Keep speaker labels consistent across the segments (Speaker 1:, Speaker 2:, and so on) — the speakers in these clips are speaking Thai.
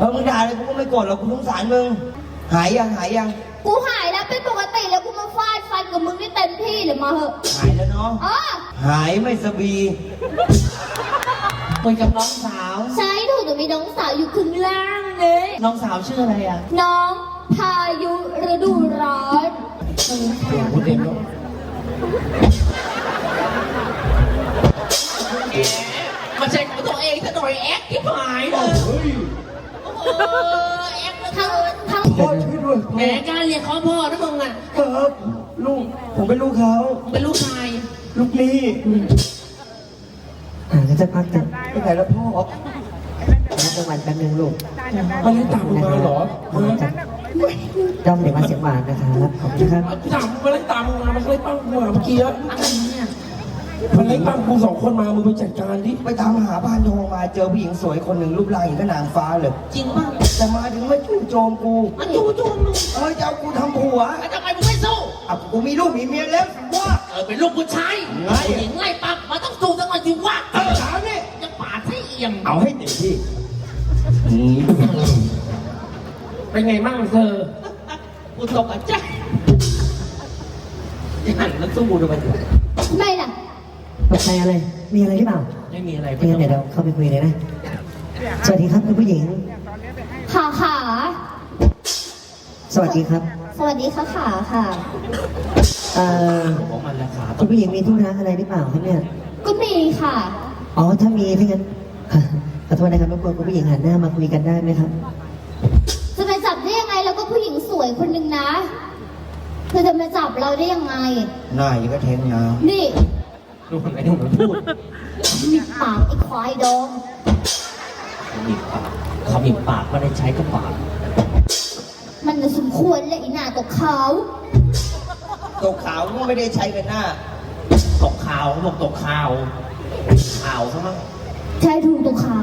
Speaker 1: มึงด่าเลยกูก็ไม่โกรธหรอกกูสงสารมึงหายยัง
Speaker 2: กูหายแล้วเป็นปกติแล้วกูมาฟาดฟันกับมึงได้เต็มที่เลยมาเหอะ
Speaker 1: หายแล้วเนาะหายไม่สบี
Speaker 3: คุยกับน้องสาว
Speaker 2: ใช่ถูกแต่มีน้องสาวอยู่ข้างล่างเลย
Speaker 3: น้องสาวชื่ออะไรอ่ะ
Speaker 2: น้องพายุฤดูร้อน
Speaker 1: พูดเองลูก
Speaker 3: มาเช็คตัวเองซะหน่อยแอ๊กที่หายเลยแอ๊ก
Speaker 2: ทั้ง
Speaker 1: พ่อช่วยด้วย
Speaker 3: แหมการเรียกเขาพ่อนะมึงอ่ะ
Speaker 1: ครับลูกผมเป็นลูกเขา
Speaker 3: เป็นลูกชาย
Speaker 1: ลูกนี่
Speaker 4: ก็จะพักกัน
Speaker 1: ไปไหนแล้วพ่อ
Speaker 4: พักจังหวัดแป๊บนึงลูก
Speaker 1: มันได้ตามมาเหรอ
Speaker 4: ด้อมเด็กมาเสียงหวานนะครับขอบคุณครับ
Speaker 1: ตามมันได้ตามมามันเลยปั้งกูเมื่อกี้
Speaker 3: อะไรเนี่ย
Speaker 1: มันเลยปั้งกู2 คนมามึงไปจัดการดิไปตามหาบ้านทองมาเจอผู้หญิงสวยคนหนึ่งรูปร่างอย่างกับนางฟ้าเลย
Speaker 3: จริงป่ะ
Speaker 1: แต่มาถึงไม่จู่โจมกู
Speaker 3: มันจู่โจมมึง
Speaker 1: จะเอากูทำผัว
Speaker 3: ทำไมมึงไม่สู้
Speaker 1: กูมีลูกมีเมียแล้วว่า
Speaker 3: เป็นลูกผู้ชายผู้หญิงไล่ปั๊บมันต้องสู้สักวันสิวะ
Speaker 1: ถามนี่
Speaker 3: จะปาดให้เอี่ยม
Speaker 1: เอาให้เต็มที่เป็นไงบ้างเธอ
Speaker 3: กูตกใจยังหันแล้วสู้ดูมัน
Speaker 2: ไม่ล่ะ
Speaker 4: ตกใจอะไรมีอะไรหรือเปล่า
Speaker 3: ไม่มีอะไร
Speaker 4: เดี๋ยวเราเข้าไปคุยเลยนะสวัสดีครับคุณผู้หญิง
Speaker 2: ค่ะ
Speaker 4: สวัสดีครับ
Speaker 2: สวัสดีค่ะค่ะ
Speaker 4: คุณผู้หญิงมีธุระอะไรหรือเปล่าครับเนี่ย
Speaker 2: ก็มีค่ะ
Speaker 4: อ๋อถ้ามีถ้างั้นขอโทษนะครับรบกวนคุณผู้หญิงหันหน้ามาคุยกันได้ไหมครับ
Speaker 2: จะไปจับได้ยังไงแล้วก็ผู้หญิงสวยคนหนึ่งนะเธอจะมาจับเราได้ยังไง
Speaker 1: หน้ายังก็แทงยาว
Speaker 2: นี่
Speaker 1: ดูคนไหนดูมันพูด
Speaker 2: มีปากไอ้ควายดอง
Speaker 3: มีปากเขามีปากไม่ได้ใช้ก็ปาก
Speaker 2: มันจะสมควรเลยไอ้หน้าตกขาว
Speaker 1: ก็ไม่ได้ใช้กันหน้า
Speaker 3: ตกขาวบอกตกขาวซะมั้ง
Speaker 2: ใช่ถูกตกขาว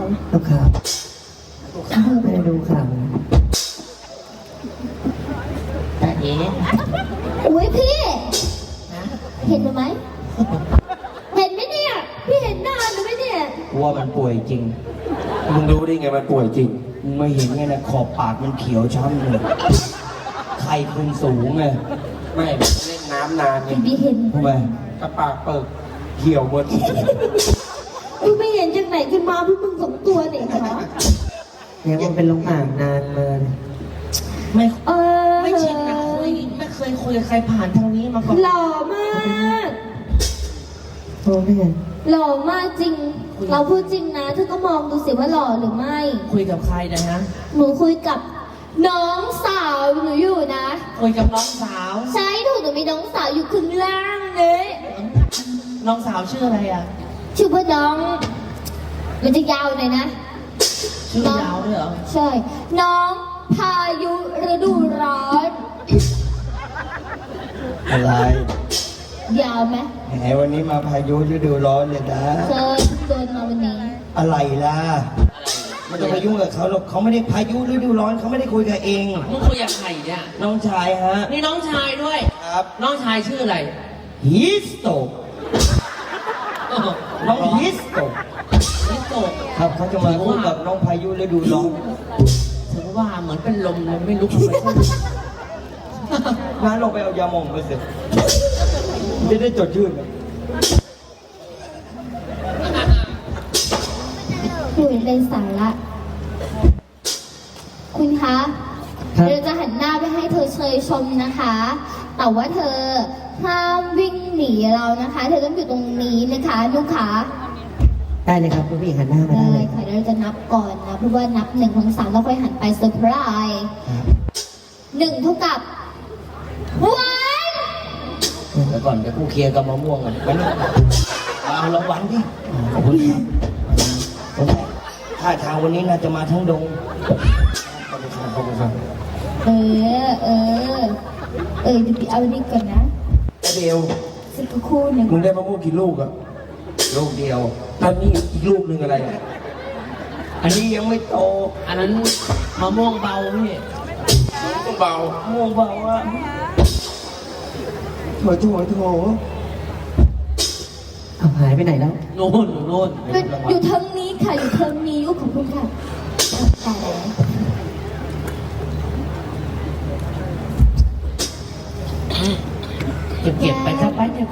Speaker 4: ไม่ได้ดูข่าว
Speaker 3: แต่
Speaker 2: อุ้ยพี่เห็นไหมเห็นไหมเนี่ยพี่เห็นหน้าหรือไม่เนี่ย
Speaker 1: ว่ามันป่วยจริงมึงรู้ได้ไงมันป่วยจริงมึงไม่เห็นไงนะขอบปากมันเขียวช้ำเลยไข้ขึ้นสูงไงไม่เล่นน้ำนานไง
Speaker 2: พี่เห็น
Speaker 1: ทำไมกระปากเปิดเขียวหมด
Speaker 2: พี่ไม่เห็นจากไหนขึ้นมาพี่มึง2 ตัวเนี่ยเหรอ
Speaker 4: เนี่ยมันเป็นลงอ่างนานมา
Speaker 3: ไม่ชินนะไม่เคยคุยกับใครผ่านทางนี้มาก่อน
Speaker 2: หล่อมาก
Speaker 4: โอ้ไม่
Speaker 2: หล่อมากจริงเราพูดจริงนะเธอก็มองดูสิว่าหล่อหรือไม่
Speaker 3: คุยกับใครนะฮะ
Speaker 2: หนูคุยกับน้องสาวหนูอยู่นะ
Speaker 3: คุยกับน้องสาว
Speaker 2: ใช่ถูกแต่มีน้องสาวอยู่ข้างล่างเลย
Speaker 3: น้องสาวชื่ออะไรอ่ะ
Speaker 2: ชื่อว่าน้องมันจะยาวหน่อยนะ
Speaker 3: ชื่อยาวด้วยเหรอ
Speaker 2: ใช่น้องพายุฤดูร้อน
Speaker 1: อะไร
Speaker 2: ยาวไหม
Speaker 1: แหมวันนี้มาพายุฤดูร้อนเลยนะ
Speaker 2: เคยโดนมาวันนี้
Speaker 1: อะไรล่ะมันจะไปยุ่งกับเขาหรอกเขาไม่ได้พายุฤดูร้อนเขาไม่ได้คุยกับเอง
Speaker 3: มึงคุยกับใครเนี่ย
Speaker 1: น้องชายฮะ
Speaker 3: นี่น้องชายด้วย
Speaker 1: ครับ
Speaker 3: น้องชายชื่ออะไร
Speaker 1: ฮิสโตน้องฮิสโตครับเขาจะมาพูดกับน้องพายุฤดูร้อน
Speaker 3: ถือว่าเหมือนเป็นลมเลยไม่ลุกเลย
Speaker 1: น้าลงไปเอายาหม่องมาสิจะได้จดชื่น
Speaker 2: คุยในสาระคุณคะเราจะหันหน้าไปให้เธอเชยชมนะคะแต่ว่าเธอห้ามวิ่งหนีเรานะคะเธอต้องอยู่ตรงนี้นะคะลูกค้า
Speaker 4: ได้เลยครับคุณผู้หญิงหันหน้ามาได้เลย
Speaker 2: ค่ะเราจะนับก่อนนะเพราะว่านับ1 2 3แล้วค่อยหันไปเซอร์ไพรส์1 เท่ากับ
Speaker 1: 1แล้วก่อนเดี๋ยวกูเคลียร์กับมะม่วงก่อนเอารางวัลดิขอบคุณครับท่าทางวันนี้น่าจะมาทั้งดงขอบคุณครับ
Speaker 2: เดี๋ยวเอาดีก่อนนะ
Speaker 1: เดียว
Speaker 2: สักครู่หนึ่ง
Speaker 1: มึงได้มะม่วงกี่ลูกอะลูกเดียวตอนนี้อีกลูกหนึ่งอะไรอันนี้ยังไม่โต
Speaker 3: อันนั้นมะม่วงเบาพี่
Speaker 1: เบาม่วงเบาอะโถ
Speaker 4: เอาหายไปไหนแล้ว
Speaker 3: โน่น
Speaker 2: อยู่ทางนี้ค่ะอยู่ทางนี้ขอบคุณค่ะ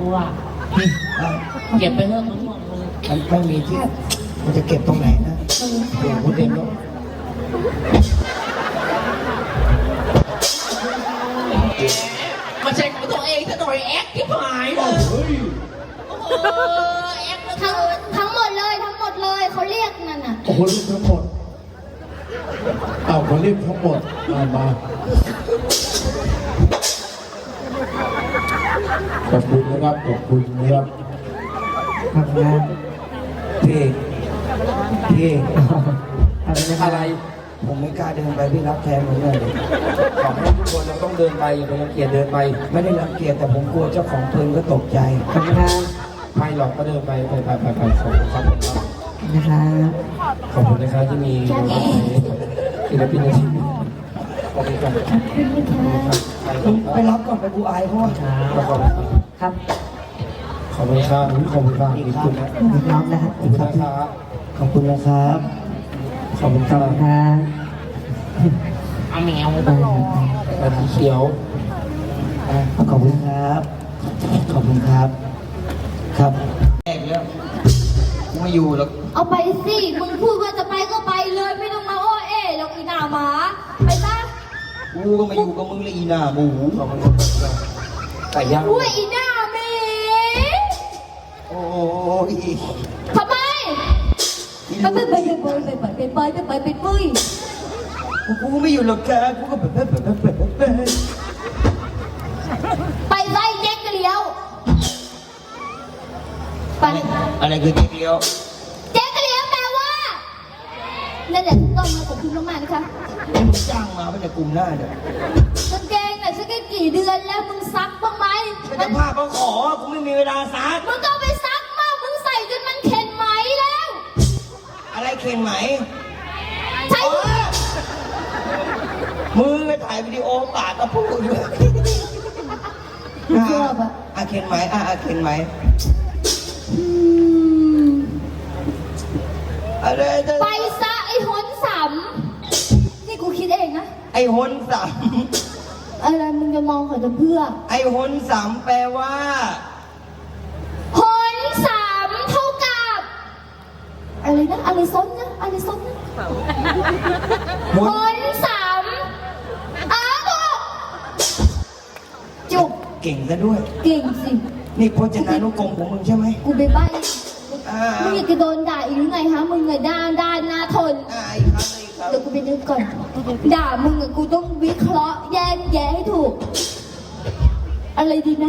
Speaker 3: กูอ่ะเก็บไปเถอะมะม่วงมึง
Speaker 1: มันไม่มีที่มันจะเก็บตรงไหนนะเดี๋ยวพูดเองแล้ว
Speaker 3: มาใช่ของตัวเองซะหน่อยแอคที่หายเลยแอค
Speaker 2: ทั้งหมดเลยเขาเรียกนั่นน่ะ
Speaker 5: โอ้โหรีบทั้งหมดเอาคนรีบทั้งหมดมาขอบคุณนะครับขอบคุณนะครับ
Speaker 4: ขอบคุณครับ
Speaker 1: พี่
Speaker 5: อะไร
Speaker 1: ผมไม่กล้าเดินไปพี่รับแทนผมเลยขอให้ทุกคนเราต้องเดินไปอย่าไปรังเกียจเดินไป ไม่ได้รังเกียจแต่ผมกลัวเจ้าของเพลิงก็ตกใจ
Speaker 4: ขอบคุณครับ
Speaker 1: ไม่หรอกก็เดินไปขอบคุณครับ
Speaker 4: นะครับ
Speaker 1: ขอบคุณนะครับที่มีศิลปินในทีมขอบคุณครับไปรับก่อนไปกูอายเพราะว่าขอบคุณครับ
Speaker 4: ครับ
Speaker 1: ขอบคุณครับขอบคุณครับขอบคุณนะ
Speaker 4: น้องนะครับ
Speaker 1: ขอบคุณนะครับ ขอบคุณนะครับ ขอบคุณค
Speaker 4: ขอ
Speaker 1: รั
Speaker 4: บบ คุณครับ
Speaker 3: เอาแมว
Speaker 1: อันนี้เขียวขอบคุณครับ ขอบคุณครับ ครับแอกแล้วไม่อยู่แล้ว
Speaker 2: เอาไปสิมึงพูดว่าจะไปก็ไปเลยไม่ต้องมาโอ้เอ๋หรอกอีหน้าหมาไปซะ
Speaker 1: กูก็มาอยู่กับมึงเลยอีหน้าหมูขอบคุณครับไก่ย่าง
Speaker 2: อุ้ยอีหน้าหมี
Speaker 1: โอ้ย
Speaker 2: ทำไมไปปุ้ย
Speaker 1: กูไม่อยู่หรอกจ้ากูก็แบบ
Speaker 2: ไปไล่เจ๊กเลี้ยวไป
Speaker 1: อะไรคือเจ๊เกียว
Speaker 2: เจ๊กเลี้ยวแปลว่านั่นแหละถูกต้องนะขอบคุณมากๆนะคะ
Speaker 1: มึงจ้างมาเป็นในกลุ่มหน้าเนี่ย
Speaker 2: กางเกงน่ะฉันก็กี่เดือนแล้วมึงซักบ้างไหม
Speaker 1: ฉันจะพาเขาขอกูไม่มีเวลาซัก
Speaker 2: มึงก็เอาไปซักมากมึงใส่จนมันเข็นไหมแล้ว
Speaker 1: อะไรเข็นไหม
Speaker 2: ใช่
Speaker 1: มือไปถ่ายวิดีโอปากก็พูดด้วย
Speaker 2: ชอบอะ
Speaker 1: เข็นไหมเข็นไหมอะไร
Speaker 2: ไปซะไอ้หนสำนี่กูคิดเองนะ
Speaker 1: ไอ้หนสาม
Speaker 2: อะไรมึงจะมองเขาจะเพื่อ
Speaker 1: ไอ้หนสามแปลว่า
Speaker 2: หนสามเท่ากับอะไรนะอะไรซ้อนนะอะไรซ้อนนะ
Speaker 1: ห
Speaker 2: ห
Speaker 1: น
Speaker 2: นสามถูกจุก
Speaker 1: เก่งซะด้วย
Speaker 2: เก่งสิ
Speaker 1: นี่พจนานุกรมของมึงใช่ไหม
Speaker 2: กูไปใบ้
Speaker 1: อ่า
Speaker 2: มึงอยากจะโดนด่าอีกหรือไงฮะมึงไงด้านหน้าทน
Speaker 1: อีกครับอีกครับ
Speaker 2: เดี๋ยวกูไปนึกก่อน ด่ามึงอะกูต้องวิเคราะห์แยกแยะให้ถูก อะไรดีนะ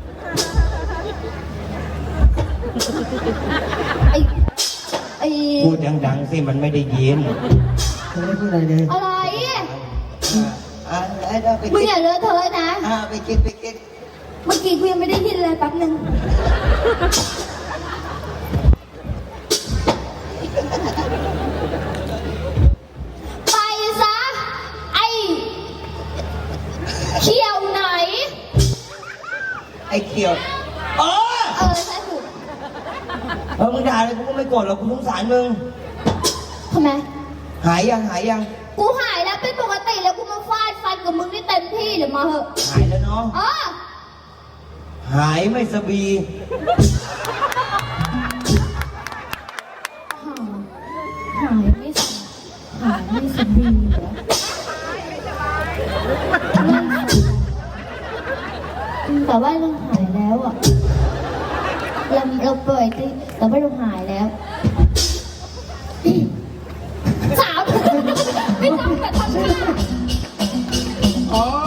Speaker 2: ไอ้
Speaker 1: พูดดังๆสิมันไม่ได้ยิน
Speaker 4: ไม่ได้พูดอะไรเลย
Speaker 2: อะไร
Speaker 1: ไป
Speaker 2: มึง
Speaker 1: คิด
Speaker 2: อย่าเลอะเทอะนะ
Speaker 1: ไปคิด
Speaker 2: เมื่อกี้กูยังไม่ได้ยินเลยแป๊บนึง ไปซะ ไอ้เขียวไหน
Speaker 1: ไอ้เขียวเออ
Speaker 2: ใช่ถูก
Speaker 1: มึงด่าเลยกูก็ไม่โกรธหรอกกูสงสารมึง
Speaker 2: ทำไม
Speaker 1: หายยัง
Speaker 2: กูหายแล้วเป็นปกติแล้วกูมาฟาดฟันกับมึงได้เต็มที่เดี๋ยวมาเหอะ
Speaker 1: หายแล้วเนาะ
Speaker 2: อ๋อ
Speaker 1: หายไม่สบี
Speaker 2: หายไม่สหายไม่สบีเหรอแต่ว่าเราหายแล้วอ่ะเราเปิดที่แต่ว่าเราหายแล้วสามไม่ต้องแต่ทำ
Speaker 5: อ๋อ